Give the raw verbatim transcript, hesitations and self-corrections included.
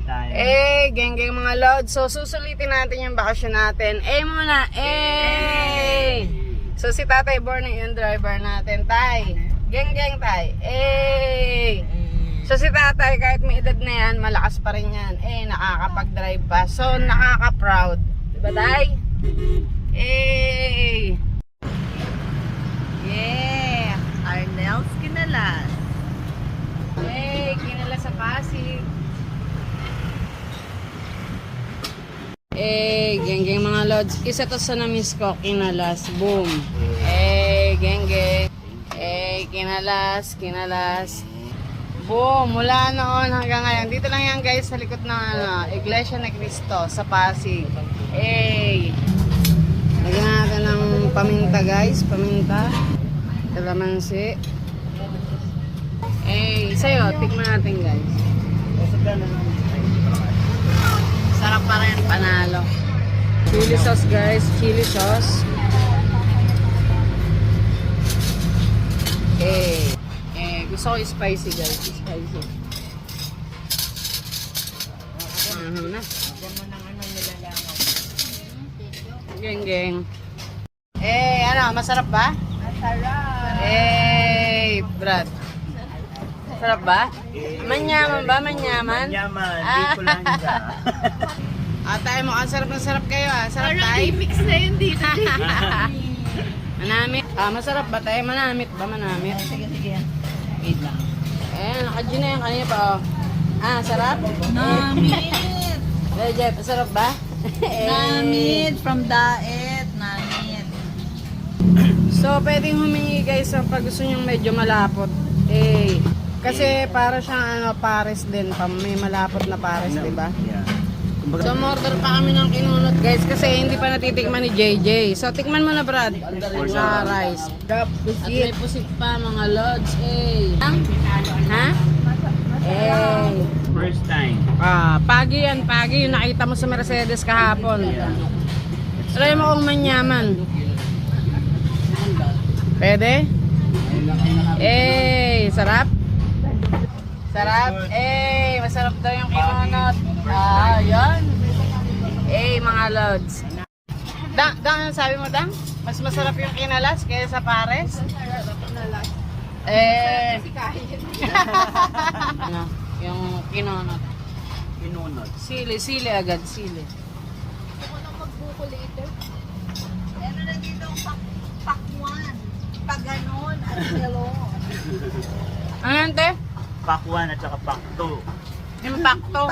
tayo. Eh, geng-geng mga lods. So, susulitin natin yung bakasyon natin. Eh muna, eh! So, si Tatay Borny yung driver natin. Tay, geng-geng tay. Eh! So, si Tatay, kahit may edad na yan, malakas pa rin yan. Eh, nakakapag-drive pa. So, nakaka-proud. Diba, Tay? Eh! Yeah! Arnel's Kinalas. Eh, kinala sa Pasig. Eh, geng-geng mga lods. Isa to sa na-miss ko, kinalas. Boom. Eh, geng-geng. Eh, kinalas, kinalas. Boom. Mula noon hanggang ngayon. Dito lang yan guys sa likod ng ano, Iglesia ni Cristo sa Pasig. Eh. Lagyan natin ng paminta guys. Paminta. Kalamansi. Eh, sa'yo. Tikman natin guys. Sarap pa rin, panalo. Chili sauce guys, chili sauce. Eh, eh gusto ko spicy guys, spicy. Ano na? Geng geng. Eh, ano, masarap ba? Masarap. Eh, Brad. Sarap ba? Manyaman ba? Manyaman? Yaman, Ah. di ko lang siya. Ah, tayo mo, ang sarap ng sarap kayo ah. Sarap Parang tayo. mix na yun dito. Manamit. Ah, masarap ba tayo? Manamit ba? Manamit? Sige, sige. Wait lang. Eh, naka-G na yan kanina pa oh. Ah, sarap? Namit! Legit, sarap ba? Eh. Namit! From Daet. Namit. So, pwedeng humingi guys sa pag gusto nyong medyo malapot. Eh, kasi para siyang ano, pares din. Pa, may malapot na pares, di ba? Yeah. So, order pa kami ng kinunot guys kasi hindi pa natitikman ni J J. So, tikman mo na Brad. Sa rice. At may pusit pa mga lods. Eh. Ha? Eh. First time. Ah, pagi yan, pagi. Yung nakita mo sa Mercedes kahapon. Try mo kung manyaman. Pwede? Eh, sarap? Sarap? Eh, masarap daw yung kinunot. Ah, yan. Eh, mga lods. Dang, Dang, ano sabi mo, Dang? Mas masarap yung kinalas kaysa sa pares? Eh. Ano, yung kinunot. Pinunod. Sili, sili agad, sili. Ako nang magbuko later. Ano na dito ang pak pakwan. Pag ganon at hello. Ano yan, te? Pack one at saka pack two. Impacto.